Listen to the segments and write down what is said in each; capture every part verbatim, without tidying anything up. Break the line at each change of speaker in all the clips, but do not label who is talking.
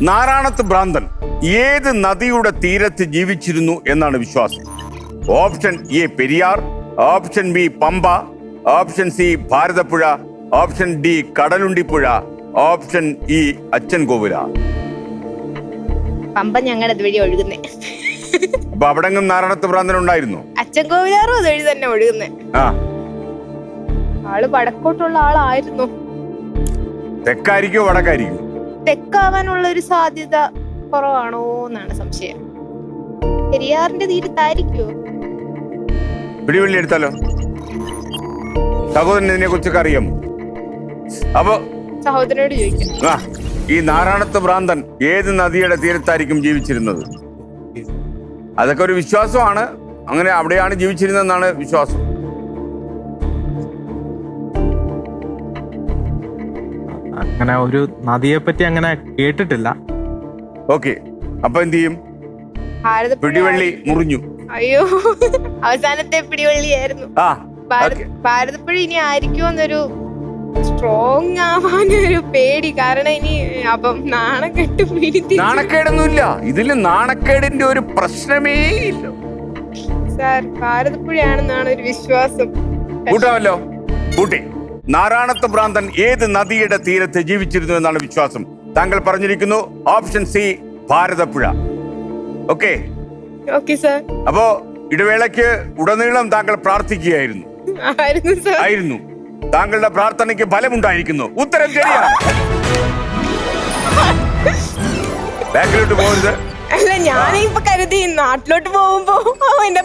നാരായണത്ത് ഭ്രാന്തൻ ഏത് നദിയുടെ തീരത്ത് ജീവിച്ചിരുന്നു എന്നാണ് വിശ്വാസം? Option A Periyar, option B Pampa, option C Bharathappuzha, option D Kadalundipuzha, option E Achankovil.
Pamba ഞങ്ങളുടെ അതുവഴി ഒഴുകുന്നേ.
അപ്പൊ അവിടെങ്ങും നാരായണത്ത് ഭ്രാന്തൻ ഉണ്ടായിരുന്നു?
അച്ഛൻ കോവിലാറും അതുവഴി തന്നെ ഒഴുകുന്നേ.
ആ,
ആള് വടക്കോട്ടുള്ള ആളായിരുന്നു.
തെക്കായിരിക്കോ വടക്കായിരിക്കും?
തെക്കാവാനുള്ള ഒരു സാധ്യത കുറവാണോ എന്നാണ് സംശയം. പെരിയാറിന്റെ തീരത്തായിരിക്കോ?
പിടിവള്ളി എടുത്താലോ? സഹോദരൻ ഇതിനെ കുറിച്ചൊക്കെ അറിയാമോ? അപ്പൊ
സഹോദരനോട് ചോദിക്കാം.
ആ, ഈ നാരായണത്ത് ഭ്രാന്തൻ ഏത് നദിയുടെ തീരത്തായിരിക്കും ജീവിച്ചിരുന്നത്? അതൊക്കെ ഒരു വിശ്വാസമാണ്. അങ്ങനെ അവിടെയാണ് ജീവിച്ചിരുന്നതെന്നാണ് വിശ്വാസം.
അങ്ങനെ ഒരു നദിയെ പറ്റി അങ്ങനെ കേട്ടിട്ടില്ല.
ഓക്കെ, അപ്പൊ എന്ത് ചെയ്യും?
ഭാരതപ്പുഴ.
പിടിവള്ളി മുറിഞ്ഞു.
അയ്യോ, അവസാനത്തെ പിടിവള്ളിയായിരുന്നു.
ആ,
ഭാരത- ഭാരതപ്പുഴ ഇനി ആയിരിക്കും എന്നൊരു സ്ട്രോങ് ആവാനൊരു പേടി. കാരണം ഇനി അപ്പം നാണക്കെട്ട് പിടിത്തി.
നാണക്കേടൊന്നുമില്ല ഇതില്, നാണക്കേടിന്റെ ഒരു പ്രശ്നമേ ഇല്ല
സാർ. ഭാരതപ്പുഴയാണെന്നാണ് ഒരു വിശ്വാസം.
കൂട്ടാമല്ലോ, കൂട്ടി. നാരായണത്ത് ഭ്രാന്തൻ ഏത് നദിയുടെ തീരത്ത് ജീവിച്ചിരുന്നു എന്നാണ് വിശ്വാസം. താങ്കൾ പറഞ്ഞിരിക്കുന്നു option C Bharathappuzha. Okay
okay sir.
അപ്പോ ഇടവേളയ്ക്ക് ഉടനീളം താങ്കൾ പ്രാർത്ഥിക്കുകയായിരുന്നു.
ആയിരുന്നു സാർ.
ആയിരുന്നു. താങ്കളുടെ പ്രാർത്ഥനയ്ക്ക് ഫലമുണ്ടായിരിക്കുന്നു. ഉത്തരം ശരിയാണ്. ബാക്കിലോട്ട് പോകരുത്.
അല്ല, ഞാനിപ്പൊ കരുതി നാട്ടിലോട്ട് പോകുമ്പോ എന്റെ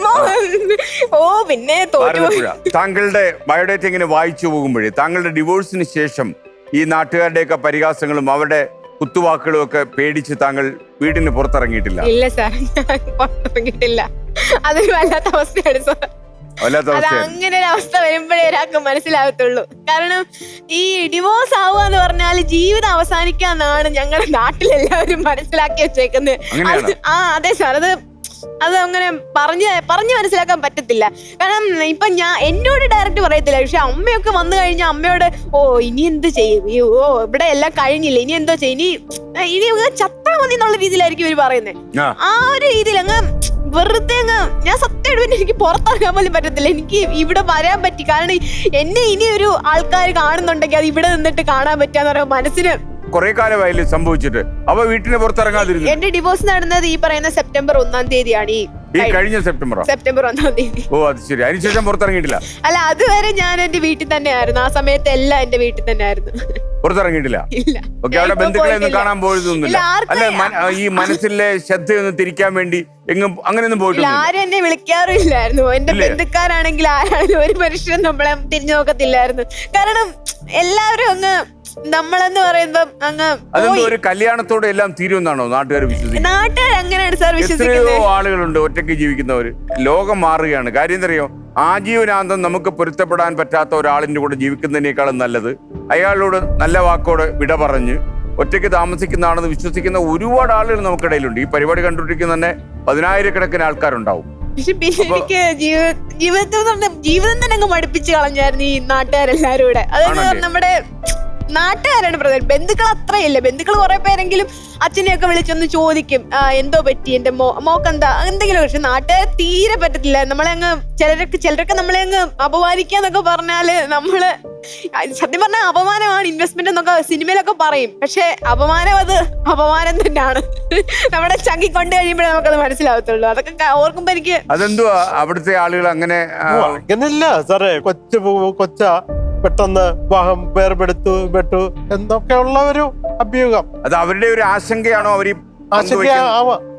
ഓ പിന്നെ തോറ്റുപോയി.
താങ്കളുടെ ബയോഡേറ്റ ഇങ്ങനെ വായിച്ചു പോകുമ്പോഴേ താങ്കളുടെ ഡിവോഴ്സിന് ശേഷം ഈ നാട്ടുകാരുടെയൊക്കെ പരിഹാസങ്ങളും അവരുടെ കുത്തുവാക്കുകളും ഒക്കെ പേടിച്ച് താങ്കൾ വീടിന് പുറത്തിറങ്ങിയിട്ടില്ല?
ഇല്ല സാർ, ഞാൻ പുറത്തിറങ്ങിയിട്ടില്ല. അതൊരു വല്ലാത്ത അവസ്ഥയാണ് സാർ. അത് അങ്ങനെ ഒരു അവസ്ഥ വരുമ്പോഴേ ഒരാൾക്ക് മനസ്സിലാകത്തുള്ളൂ. കാരണം ഈ ഡിവോഴ്സ് ആവുക എന്ന് പറഞ്ഞാൽ ജീവിതം അവസാനിക്കാന്നാണ് ഞങ്ങളുടെ നാട്ടിലെല്ലാവരും മനസ്സിലാക്കി വെച്ചേക്കുന്നത്. ആ അതെ സാർ, അത് അത് അങ്ങനെ പറഞ്ഞ് പറഞ്ഞ് മനസ്സിലാക്കാൻ പറ്റത്തില്ല. കാരണം ഇപ്പൊ ഞാൻ എന്നോട് ഡയറക്റ്റ് പറയത്തില്ല, പക്ഷെ അമ്മയൊക്കെ വന്നു കഴിഞ്ഞാൽ അമ്മയോട് ഓ ഇനി എന്ത് ചെയ്യും, ഓ ഇവിടെ എല്ലാം കഴിഞ്ഞില്ല, ഇനി എന്തോ ചെയ്യും, ഇനി ഇനി ചത്താ മതി എന്നുള്ള രീതിയിലായിരിക്കും ഇവര് പറയുന്നത്. ആ ഒരു രീതിയിൽ അങ്ങ് വെറുതെ അങ്ങ് ഞാൻ സത്യമായിട്ട് എനിക്ക് പുറത്തിറങ്ങാൻ പോലും പറ്റത്തില്ല. എനിക്ക് ഇവിടെ വരാൻ പറ്റി കാരണം എന്നെ ഇനി ഒരു ആൾക്കാർ കാണുന്നുണ്ടെങ്കിൽ അത് ഇവിടെ നിന്നിട്ട് കാണാൻ പറ്റാന്ന് പറയുമ്പോൾ മനസ്സിന്
കുറെ കാലമായില്ലേ സംഭവിച്ചിട്ട്. അപ്പൊ വീട്ടിന് പുറത്തിറങ്ങാതിരുന്നു.
എന്റെ ഡിവോഴ്സ് നടന്നത് ഈ പറയുന്ന സെപ്റ്റംബർ ഒന്നാം തീയതിയാണ്. ഈ
ഈ കഴിഞ്ഞ സെപ്റ്റംബർ
സെപ്റ്റംബർ ഒന്നാം തീയതി.
ഓ അത് ശരി. അതിനുശേഷം പുറത്തിറങ്ങിയിട്ടില്ല?
അല്ല, അതുവരെ ഞാൻ എന്റെ വീട്ടിൽ തന്നെ ആയിരുന്നു. ആ സമയത്ത് എല്ലാം എന്റെ വീട്ടിൽ തന്നെ ആയിരുന്നു.
പുറത്തിറങ്ങിയിട്ടില്ല?
ഇല്ല.
ഓക്കെ, അവിടെ ബന്ധുക്കളെ ഒന്നും കാണാൻ പോയതൊന്നുമില്ല? അല്ല, ഈ മനസ്സിലെ ശ്രദ്ധയൊന്ന് തിരിക്കാൻ വേണ്ടി എങ്ങും അങ്ങനെയൊന്നും പോയിട്ടില്ല?
ആരും എന്നെ വിളിക്കാറില്ലായിരുന്നു. എന്റെ ബന്ധുക്കാരാണെങ്കിൽ ആരാണെങ്കിലും ഒരു മനുഷ്യനും നമ്മളെ തിരിഞ്ഞു നോക്കത്തില്ലായിരുന്നു. കാരണം എല്ലാവരും അങ്ങ് നമ്മളെന്ന് പറയുമ്പോ അങ്ങ്
അതൊന്നും ഒരു കല്യാണത്തോടെ എല്ലാം തീരുമെന്നാണോ നാട്ടുകാർ വിശ്വസിക്കുന്നത്?
നാട്ടുകാർ അങ്ങനെയാണ് സാർ
വിശ്വസിക്കുന്നത്. എത്രയോ ആളുകളുണ്ട് ഒറ്റയ്ക്ക് ജീവിക്കുന്നവര്. ലോകം മാറുകയാണ്. കാര്യം എന്തറിയോ, ആജീവനാന്തം നമുക്ക് പൊരുത്തപ്പെടാൻ പറ്റാത്ത ഒരാളിന്റെ കൂടെ ജീവിക്കുന്നതിനേക്കാളും നല്ലത് അയാളോട് നല്ല വാക്കോട് വിട പറഞ്ഞ് ഒറ്റയ്ക്ക് താമസിക്കുന്നതാണെന്ന് വിശ്വസിക്കുന്ന ഒരുപാട് ആളുകൾ നമുക്കിടയിലുണ്ട്. ഈ പരിപാടി കണ്ടുകൊണ്ടിരിക്കുന്ന തന്നെ പതിനായിരക്കണക്കിന് ആൾക്കാരുണ്ടാവും.
പക്ഷെ എനിക്ക് ജീവിതത്തിൽ ജീവിതം തന്നെ അങ്ങ് മടുപ്പിച്ച് കളഞ്ഞായിരുന്നു ഈ നാട്ടുകാരെല്ലാരും കൂടെ. അതായത് നമ്മുടെ നാട്ടുകാരാണ് പ്രധാനം. ബന്ധുക്കൾ അത്രയില്ല. ബന്ധുക്കൾ കുറെ പേരെങ്കിലും അച്ഛനെയൊക്കെ വിളിച്ചൊന്ന് ചോദിക്കും എന്തോ പറ്റി എന്റെ മോ മോക്കെന്താ എന്തെങ്കിലും. പക്ഷെ നാട്ടുകാരെ തീരെ പറ്റത്തില്ല. നമ്മളെ അങ്ങ് ചിലരൊക്കെ ചിലരൊക്കെ നമ്മളെ അങ്ങ് അപമാനിക്കാന്നൊക്കെ പറഞ്ഞാല് നമ്മള് സത്യം പറഞ്ഞാൽ അപമാനമാണ് ഇൻവെസ്റ്റ്മെന്റ് എന്നൊക്കെ സിനിമയിലൊക്കെ പറയും. പക്ഷെ അപമാനം അത് അപമാനം തന്നെയാണ്. നമ്മുടെ ചങ്കിക്കൊണ്ട് കഴിയുമ്പോഴേ നമുക്കത് മനസ്സിലാവത്തുള്ളൂ. അതൊക്കെ ഓർക്കുമ്പോ എനിക്ക്
അതെന്തുവാ അവിടുത്തെ ആളുകൾ അങ്ങനെ
അങ്ങനെയില്ല സാറേ. കൊച്ചു കൊച്ച പെട്ടെന്ന് വാഹം വേർപെടുത്തു പെട്ടു എന്നൊക്കെയുള്ള ഒരു അഭ്യൂഹം.
അത് അവരുടെ ഒരു ആശങ്കയാണോ? അവർ
ആശങ്ക ആവാം.